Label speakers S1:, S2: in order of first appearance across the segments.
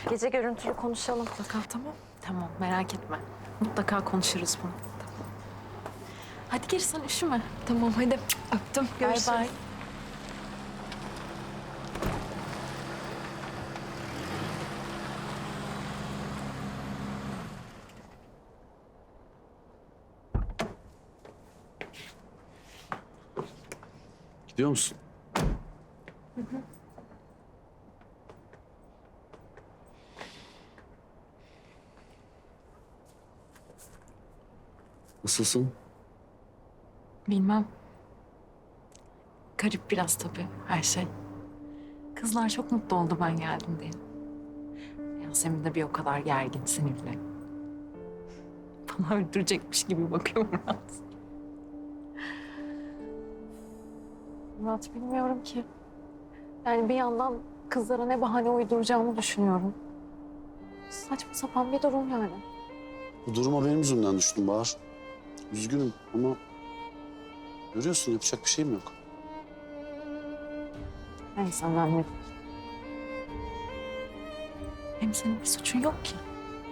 S1: Gece görüntülü konuşalım.
S2: Mutlaka tamam. Tamam merak etme. Mutlaka konuşuruz bunu. Tamam. Hadi gir sen üşüme.
S1: Tamam hadi. Öptüm. Görüşürüz.
S2: Bay bay.
S3: Gidiyor musun? Nasılsın?
S2: Bilmem. Garip biraz tabii her şey. Kızlar çok mutlu oldu ben geldim diye. Yasemin de bir o kadar gergin, sinirli. Bana öldürecekmiş gibi bakıyor Murat. Murat bilmiyorum ki. Yani bir yandan kızlara ne bahane uyduracağımı düşünüyorum. Saçma sapan bir durum yani.
S3: Bu duruma benim yüzümden düştüm Bahar. Üzgünüm ama görüyorsun yapacak bir şeyim yok.
S2: Neyse anladım. Hem senin bir suçun yok ki.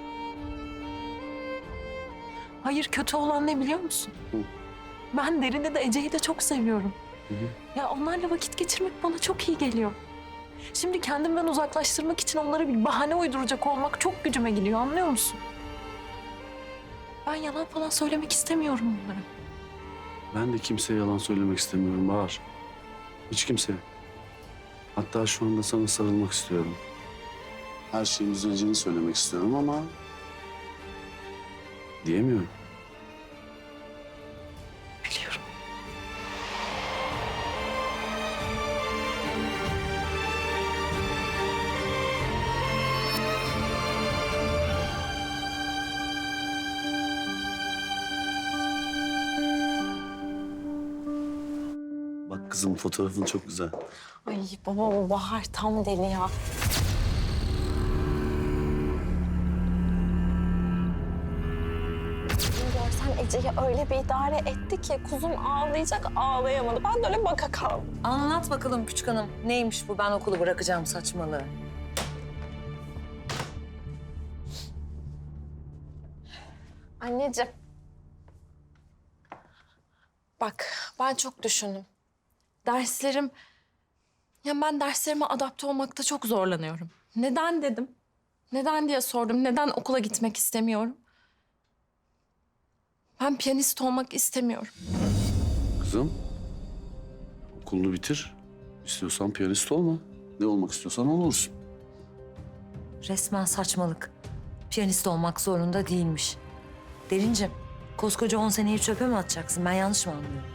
S2: Hayır kötü olan ne biliyor musun?
S3: Hı.
S2: Ben Derin'i de Ece'yi de çok seviyorum.
S3: Hı hı.
S2: Ya onlarla vakit geçirmek bana çok iyi geliyor. Şimdi kendimden uzaklaştırmak için onlara bir bahane uyduracak olmak çok gücüme gidiyor anlıyor musun? Ben yalan falan söylemek istemiyorum onlara.
S3: Ben de kimseye yalan söylemek istemiyorum Bahar. Hiç kimseye. Hatta şu anda sana sarılmak istiyorum. Her şeyin düzeleceğini söylemek istiyorum ama diyemiyorum.
S2: Biliyorum.
S3: Bak kızım fotoğrafın çok güzel.
S1: Ay baba o Bahar tam deli ya. Görsen Ece'yi öyle bir idare etti ki kuzum ağlayacak ağlayamadı. Ben de öyle baka kaldım.
S4: Anlat bakalım küçük hanım. Neymiş bu ben okulu bırakacağım saçmalığı?
S1: Anneciğim. Bak ben çok düşündüm. Derslerim... Ya ben derslerime adapte olmakta çok zorlanıyorum. Neden dedim? Neden diye sordum. Neden okula gitmek istemiyorum? Ben piyanist olmak istemiyorum.
S3: Kızım okulunu bitir. İstiyorsan piyanist olma. Ne olmak istiyorsan olursun.
S4: Resmen saçmalık. Piyanist olmak zorunda değilmiş. Derincim, koskoca 10 seneyi çöpe mi atacaksın? Ben yanlış mı anlıyorum?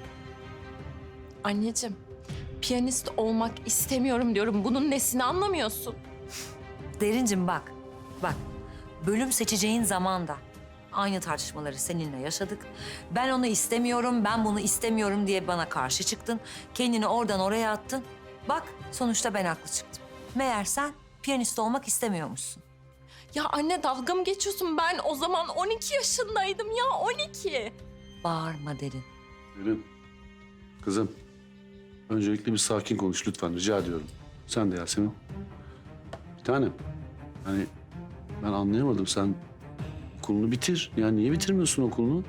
S1: Anneciğim, piyanist olmak istemiyorum diyorum. Bunun nesini anlamıyorsun?
S4: Derincim bak, bak. Bölüm seçeceğin zaman da aynı tartışmaları seninle yaşadık. Ben onu istemiyorum, ben bunu istemiyorum diye bana karşı çıktın. Kendini oradan oraya attın. Bak, sonuçta ben haklı çıktım. Meğer sen piyanist olmak istemiyormuşsun.
S1: Ya anne dalga mı geçiyorsun? Ben o zaman 12 yaşındaydım ya 12.
S4: Bağırma Derin.
S3: Derin. Kızım. Öncelikle bir sakin konuş lütfen rica ediyorum. Sen de Yasemin. Bir tanem. Hani ben anlayamadım sen okulunu bitir. Yani niye bitirmiyorsun okulunu?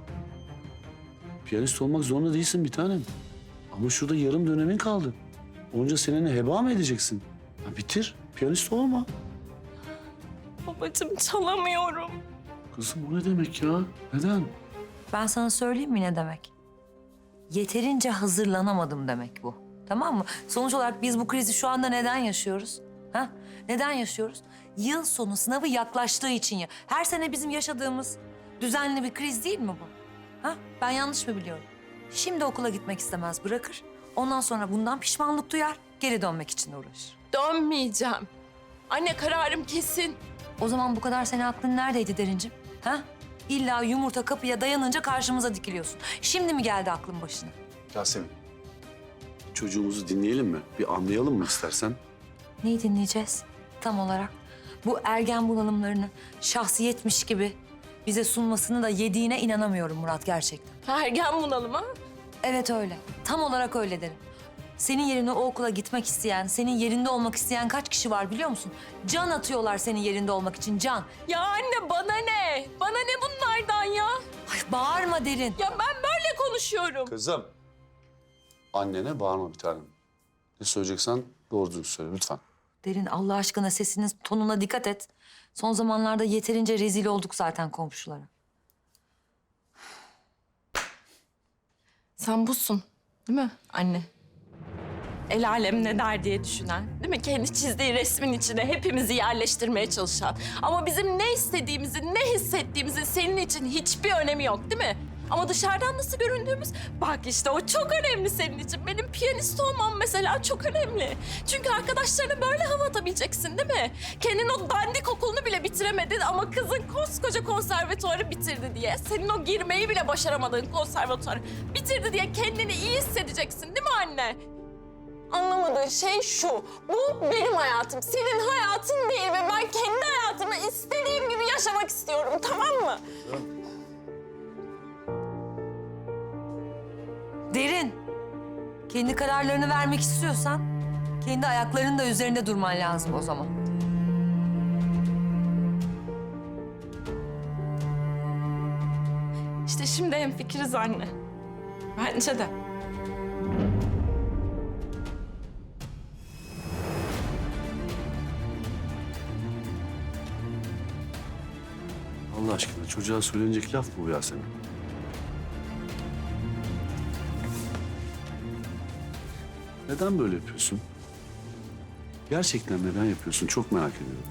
S3: Piyanist olmak zorunda değilsin bir tanem. Ama şurada yarım dönemin kaldı. Onca seneni heba mı edeceksin? Ya bitir. Piyanist olma.
S1: Babacığım çalamıyorum.
S3: Kızım o ne demek ya? Neden?
S4: Ben sana söyleyeyim mi ne demek? Yeterince hazırlanamadım demek bu. Tamam mı? Sonuç olarak biz bu krizi şu anda neden yaşıyoruz? Ha? Neden yaşıyoruz? Yıl sonu sınavı yaklaştığı için ya. Her sene bizim yaşadığımız düzenli bir kriz değil mi bu? Ha? Ben yanlış mı biliyorum? Şimdi okula gitmek istemez bırakır. Ondan sonra bundan pişmanlık duyar. Geri dönmek için uğraşır.
S1: Dönmeyeceğim. Anne kararım kesin.
S4: O zaman bu kadar senin aklın neredeydi Derincim? Ha? İlla yumurta kapıya dayanınca karşımıza dikiliyorsun. Şimdi mi geldi aklın başına?
S3: Yasemin. Çocuğumuzu dinleyelim mi? Bir anlayalım mı istersen?
S4: Neyi dinleyeceğiz tam olarak? Bu ergen bunalımlarını şahsiyetmiş gibi bize sunmasını da yediğine inanamıyorum Murat gerçekten.
S1: Ergen bunalım ha?
S4: Evet öyle. Tam olarak öyle derim. Senin yerine o okula gitmek isteyen, senin yerinde olmak isteyen kaç kişi var biliyor musun? Can atıyorlar senin yerinde olmak için, can.
S1: Ya anne bana ne? Bana ne bunlardan ya?
S4: Ay bağırma Derin.
S1: Ya ben böyle konuşuyorum.
S3: Kızım. Annene bağırma bir tanem. Ne söyleyeceksen doğru düzgün söyle lütfen.
S4: Derin Allah aşkına sesinin tonuna dikkat et. Son zamanlarda yeterince rezil olduk zaten komşulara.
S1: Sen busun değil mi anne? El alem ne der diye düşünen, değil mi? Kendi çizdiği resmin içine hepimizi yerleştirmeye çalışan. Ama bizim ne istediğimizin, ne hissettiğimizin senin için hiçbir önemi yok değil mi? Ama dışarıdan nasıl göründüğümüz, bak işte o çok önemli senin için. Benim piyanist olmam mesela çok önemli. Çünkü arkadaşlarına böyle hava atabileceksin değil mi? Kendin o dandik okulunu bile bitiremedin ama kızın koskoca konservatuarı bitirdi diye. Senin o girmeyi bile başaramadığın konservatuarı bitirdi diye kendini iyi hissedeceksin değil mi anne? Anlamadığın şey şu, bu benim hayatım, senin hayatın değil ve ben kendi hayatımı istediğim gibi yaşamak istiyorum, tamam mı?
S4: Derin, kendi kararlarını vermek istiyorsan kendi ayaklarının da üzerinde durman lazım o zaman.
S1: İşte şimdi hemfikiriz anne. Bence de.
S3: Allah aşkına çocuğa söylenecek laf mı bu Yasemin? Neden böyle yapıyorsun? Gerçekten neden yapıyorsun? Çok merak ediyorum.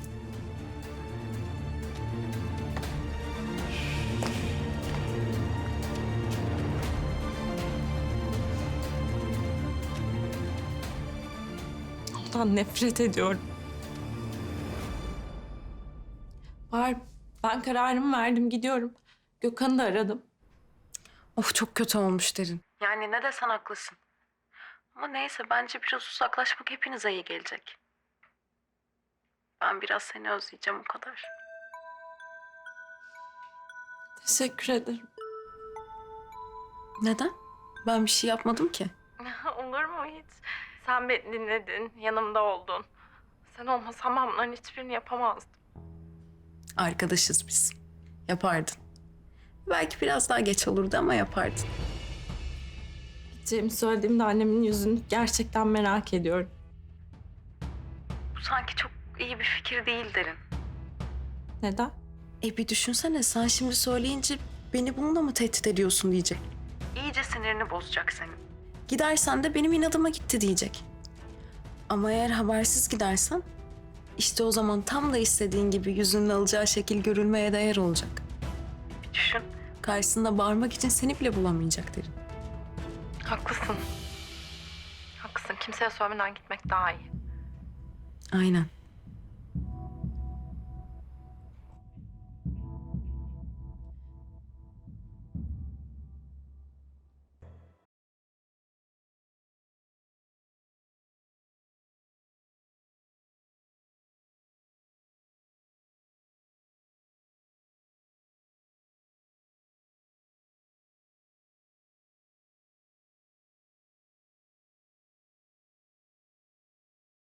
S1: Ondan nefret ediyorum. Var, ben kararımı verdim, gidiyorum. Gökhan'ı da aradım.
S2: Of çok kötü olmuş Derin. Yani ne desen haklısın. Ama neyse bence biraz uzaklaşmak hepinize iyi gelecek. Ben biraz seni özleyeceğim o kadar.
S1: Teşekkür ederim.
S2: Neden? Ben bir şey yapmadım ki.
S1: Olur mu hiç? Sen beni dinledin, yanımda oldun. Sen olmasan ben bunların hiçbirini yapamazdım.
S2: Arkadaşız biz. Yapardın. Belki biraz daha geç olurdu ama yapardın.
S1: Gideceğimi söylediğimde annemin yüzünü gerçekten merak ediyorum.
S2: Bu sanki çok iyi bir fikir değil Derin.
S1: Neden?
S2: Bir düşünsene sen şimdi söyleyince beni bununla mı tehdit ediyorsun diyecek. İyice sinirini bozacak senin. Gidersen de benim inadıma gitti diyecek. Ama eğer habersiz gidersen işte o zaman tam da istediğin gibi yüzünün alacağı şekil görülmeye değer olacak. Bir düşün. Karşısında bağırmak için seni bile bulamayacak Derin.
S1: Haklısın. Haklısın. Kimseye söylemeden gitmek daha iyi.
S2: Aynen.